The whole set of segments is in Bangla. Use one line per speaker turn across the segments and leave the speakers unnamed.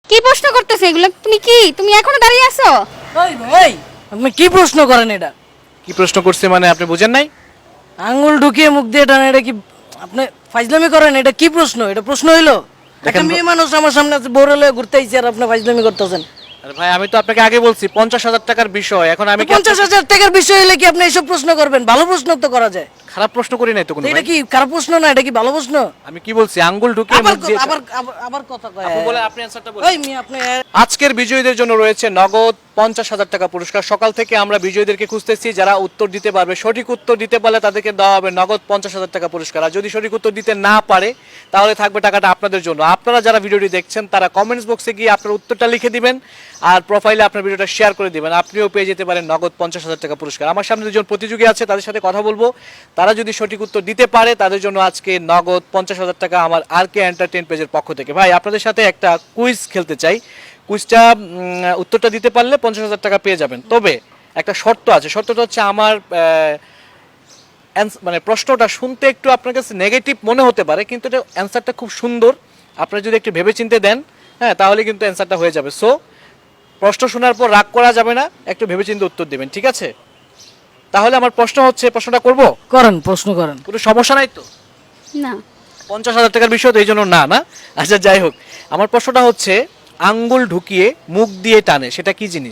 কি প্রশ্ন করতেছে এগুলো? তুমি এখনো দাঁড়িয়ে আছো?
ওই ভাই, আপনি কি প্রশ্ন করেন এটা?
কি প্রশ্ন করছে মানে আপনি বুঝেন নাই?
আঙ্গুল ঢুকিয়ে মুখ দিয়ে টানে, এটা কি আপনি ফাইজলামি করেন? এটা কি প্রশ্ন? এটা প্রশ্ন হইলো? একটা মেয়ে মানুষ আমার সামনে আছে, বড় হলে ঘুরতে আইছে আর আপনি ফাইজলামি করতেছেন।
আরে ভাই আমি তো আপনাকে আগে বলছি 50,000 টাকার বিষয়, এখন আমি কি
50,000 টাকার বিষয় হলে কি আপনি এইসব প্রশ্ন করবেন? ভালো প্রশ্ন তো করা যায়।
খারাপ প্রশ্ন করি নাই তো কোনো
তো এটা
ভাই।
কি খারাপ প্রশ্ন না, এটা কি ভালো প্রশ্ন?
আমি কি বলছি আঙ্গুল ঢুকিয়ে
আবার
মুখ দিয়ে
আবার আবার- আবার কথা কয়।
আপু বলে আপনি অ্যানসারটা বলেন।
ওই মেয়ে আপনি
আজকের বিজয়ীদের জন্য রয়েছে নগদ 50,000 টাকা পুরস্কার। সকাল থেকে আমরা বিজয়ীদেরকে খুঁজতেছি, যারা উত্তর দিতে পারবে, সঠিক উত্তর দিতে পারলে তাদেরকে দেওয়া হবে নগদ 50,000 টাকা পুরস্কার। আর যদি সঠিক উত্তর দিতে না পারে তাহলে থাকবে টাকাটা আপনাদের জন্য। আপনারা যারা ভিডিওটি দেখছেন তারা কমেন্টস বক্সে গিয়ে আপনার উত্তরটা লিখে দিবেন আর প্রোফাইলে আপনার ভিডিওটা শেয়ার করে দিবেন, আপনিও পেয়ে যেতে পারেন নগদ 50,000 টাকা পুরস্কার। আমার সামনে দুজন প্রতিযোগী আছে, তাদের সাথে কথা বলবো। তারা যদি সঠিক উত্তর দিতে পারে তাদের জন্য আজকে নগদ 50,000 টাকা আমার আরকে এন্টারটেইন পেজের পক্ষ থেকে। ভাই আপনাদের সাথে একটা কুইজ খেলতে চাই। কুইজটা উত্তরটা দিতে পারলে 50,000 টাকা পেয়ে যাবেন। তবে একটা শর্ত আছে, শর্তটা হচ্ছে আমার মানে প্রশ্নটা শুনতে একটু আপনার কাছে নেগেটিভ মনে হতে পারে, কিন্তু এটা অ্যান্সারটা খুব সুন্দর। আপনারা যদি একটু ভেবেচিন্তে দেন, হ্যাঁ, তাহলে কিন্তু অ্যান্সারটা হয়ে যাবে। সো প্রশ্ন শোনার পর রাগ করা যাবে না, একটু ভেবেচিন্তে উত্তর দেবেন, ঠিক আছে? তাহলে আমার প্রশ্ন হচ্ছে, প্রশ্নটা করব,
করেন, প্রশ্ন করেন।
কোনো সমস্যা নাই তো?
না।
50,000 টাকার বিষয় তো এই জন্য না, না? আচ্ছা যাই হোক, আমার প্রশ্নটা হচ্ছে আঙ্গুল ঢুকিয়ে মুখ দিয়ে টানে, সেটা কি জিনিস?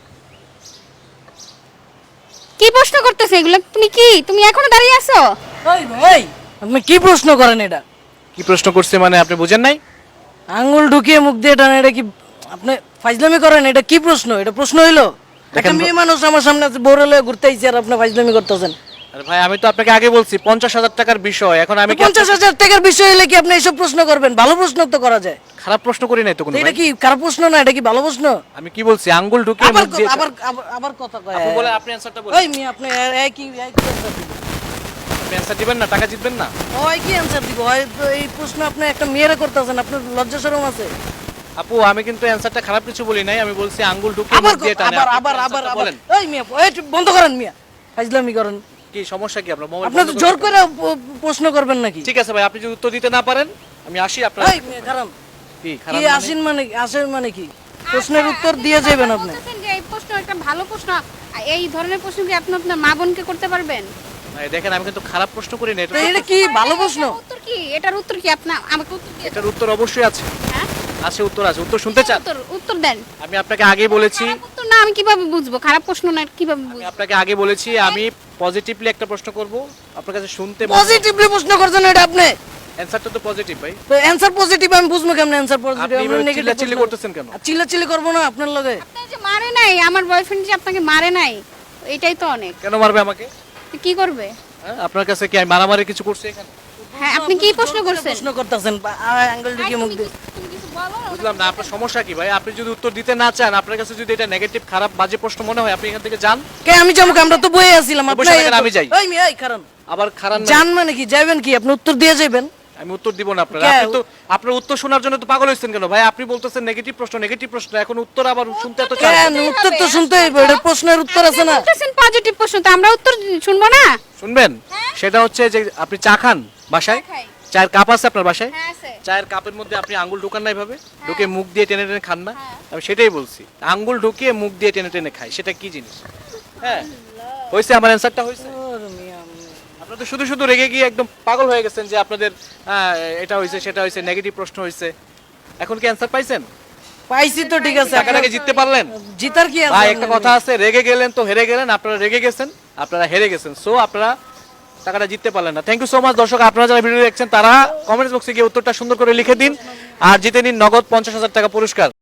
কি প্রশ্ন করতেছে এগুলো? তুমি এখনো দাঁড়িয়ে আছো?
ওই ভাই, আপনি কি প্রশ্ন করেন এটা?
কি প্রশ্ন করছে মানে আপনি বুঝেন নাই?
আঙ্গুল ঢুকিয়ে মুখ দিয়ে টানে, এটা কি আপনি ফাইজলামি করেন? এটা কি প্রশ্ন? এটা প্রশ্ন হইলো? একটা মেয়ে মানুষ আমার সামনে আছে, বড় হলে ঘুরতে আইছে আর আপনি ফাইজলামি করতেছেন।
আরে ভাই আমি তো আপনাকে আগে বলছি 50,000 টাকার বিষয়, এখন আমি কি
50,000 টাকার বিষয় হলে কি আপনি এইসব প্রশ্ন করবেন? ভালো প্রশ্ন তো করা যায়।
খারাপ প্রশ্ন করি নাই তো কোনো
তো এটা
ভাই?
কি খারাপ প্রশ্ন না, এটা কি ভালো প্রশ্ন?
আমি কি বলছি আঙ্গুল ঢুকিয়ে
আবার
মুখ দিয়ে
আবার আবার- আবার কথা কয়।
আপু বলে আপনি অ্যানসারটা বলেন।
ওই মেয়ে আপনি একই answer দিবেন।
আপনি অ্যানসার দিবেন না, টাকা জিতবেন না?
ওই কি অ্যানসার দিব? ওই তো এই প্রশ্ন আপনি একটা মেয়েরা করতেছেন, আপনার লজ্জা শরম আছে?
আপু আমি কিন্তু অ্যানসারটা খারাপ কিছু বলি নাই, আমি বলছি আঙ্গুল ঢুকিয়ে
আবার
মুখ দিয়ে টানে।
আবার
আপনি
আবার আবার
answerটা
আবার
বলেন।
ওই মিয়া, ওই একটু বন্ধ করেন মিয়া, ফাইজলামি করেন।
কি সমস্যা কি আপনার? মোবাইল
আপনি তো
বন্ধ
জোর
করতে
করে প্রশ্ন করবেন নাকি?
ঠিক আছে ভাই, আপনি যদি উত্তর দিতে না পারেন আমি আসি আপনার।
এই মিয়া খারাপ
কি
কি
খারাপ মানে?
আসেন মানে, আসেন মানে কি? প্রশ্নের উত্তর দিয়ে যাবেন আপনি।
বলতেছেন যে এই প্রশ্ন একটা ভালো প্রশ্ন। এই ধরনের প্রশ্ন কি আপনি আপনার মা বোনকে করতে পারবেন?
ভাই দেখেন আমি কিন্তু খারাপ প্রশ্ন করি না,
তো এটা কি ভালো প্রশ্ন?
এটার উত্তর কি? এটার উত্তর কি? আপনি আমাকে উত্তর দিয়ে
এটার উত্তর অবশ্যই আছে।
হ্যাঁ?
আছে, উত্তর আছে। উত্তর শুনতে চান?
উত্তর দেন।
আমি আপনাকে আগেই বলেছি,
খারাপ উত্তর না আমি কিভাবে বুঝবো? খারাপ প্রশ্ন না কিভাবে
আমি
বুঝবো?
আপনাকে আগে বলেছি আমি পজিটিভলি একটা প্রশ্ন করব, আপনার কাছে শুনতে
পজিটিভলি প্রশ্ন করছেন এটা আপনি?
অ্যানসারটা তো পজিটিভ ভাই।
তো অ্যানসার পজিটিভ আমি বুঝবো কেমনে? অ্যানসার পজিটিভ
আপনি
আমি
এভাবে
নেগেটিভ
চিল্লাচিল্লি করতেছেন কেন?
চিল্লাচিল্লি করবো না আপনার লগে?
আপনার যে মারে নাই, আমার বয়ফ্রেন্ড যে আপনাকে মারে নাই, এটাই তো অনেক।
কেন মারবে আমাকে?
তো কি করবে?
হ্যাঁ, আপনার কাছে কি আমি মারামারি কিছু করছি এখানে?
হ্যাঁ, আপনি কি প্রশ্ন করছেন?
প্রশ্ন করতেছেন অ্যাঙ্গেল
আই,
ঢুকিয়ে মুখ
তুমি
দিয়ে।
তুমি কিছু বলো।
বুঝলাম না আপনার সমস্যা কি ভাই? আপনি যদি উত্তর দিতে না চান, আপনার কাছে যদি এটা নেগেটিভ খারাপ বাজে প্রশ্ন মনে হয়, আপনি এখান থেকে যান।
কে আমি যাবো? আমরা তো বইয়ে আছিলাম।
বসে
আপনি
থাকেন, আমি যাই।
ওই মিয়া, এই কারণ
আবার খারাপ না,
জান মানে কি? যাবেন কি? আপনি উত্তর দিয়ে যাবেন?
আমি উত্তর দিব না আপনার।
কে?
আপনি তো আপনার উত্তর শোনার জন্য তো পাগল হইছেন কেন ভাই? আপনি বলতেছেন নেগেটিভ প্রশ্ন, নেগেটিভ প্রশ্ন, এখন উত্তর আবার শুনতে এত চান?
কেন? উত্তর তো শুনতে হইবে, এটা প্রশ্নের উত্তর আছে না?
বলতেছেন পজিটিভ প্রশ্ন, তো আমরা উত্তর শুনবো না?
শুনবেন? সেটা হচ্ছে যে আপনি চা খান বাসায়,
চা খাই।
চায়ের কাপ আছে আপনার বাসায়?
হ্যাঁ আছে।
চায়ের কাপের মধ্যে আপনি আঙ্গুল ঢুকান না এভাবে, ঢুকে মুখ দিয়ে টেনে টেনে খান না? আমি সেটাই বলছি, আঙ্গুল ঢুকিয়ে মুখ দিয়ে টেনে টেনে খাই, সেটা কি জিনিস? হ্যাঁ হয়েছে, আমার অ্যান্সারটা হয়েছে।
ওরে মিয়া,
আপনারা তো শুধু শুধু রেগে গিয়ে একদম পাগল হয়ে গেছেন যে আপনাদের এটা হয়েছে সেটা হয়েছে, নেগেটিভ প্রশ্ন হয়েছে। এখন কি অ্যান্সার পাইছেন?
পাইছি তো, ঠিক আছে।
টাকাটাকে জিততে পারলেন?
জিতার কি আছে?
ভাই একটা কথা আছে, রেগে গেলেন তো হেরে গেলেন। আপনারা রেগে গেছেন, আপনারা হেরে গেছেন। সো আপনারা টাকাটা জিততে পারলেন না। Thank you so much. দর্শক আপনারা যারা ভিডিও দেখছেন তারা কমেন্টস বক্সে গিয়ে উত্তরটা সুন্দর করে লিখে দিন আর জিতে নিন নগদ 50,000 টাকা পুরস্কার।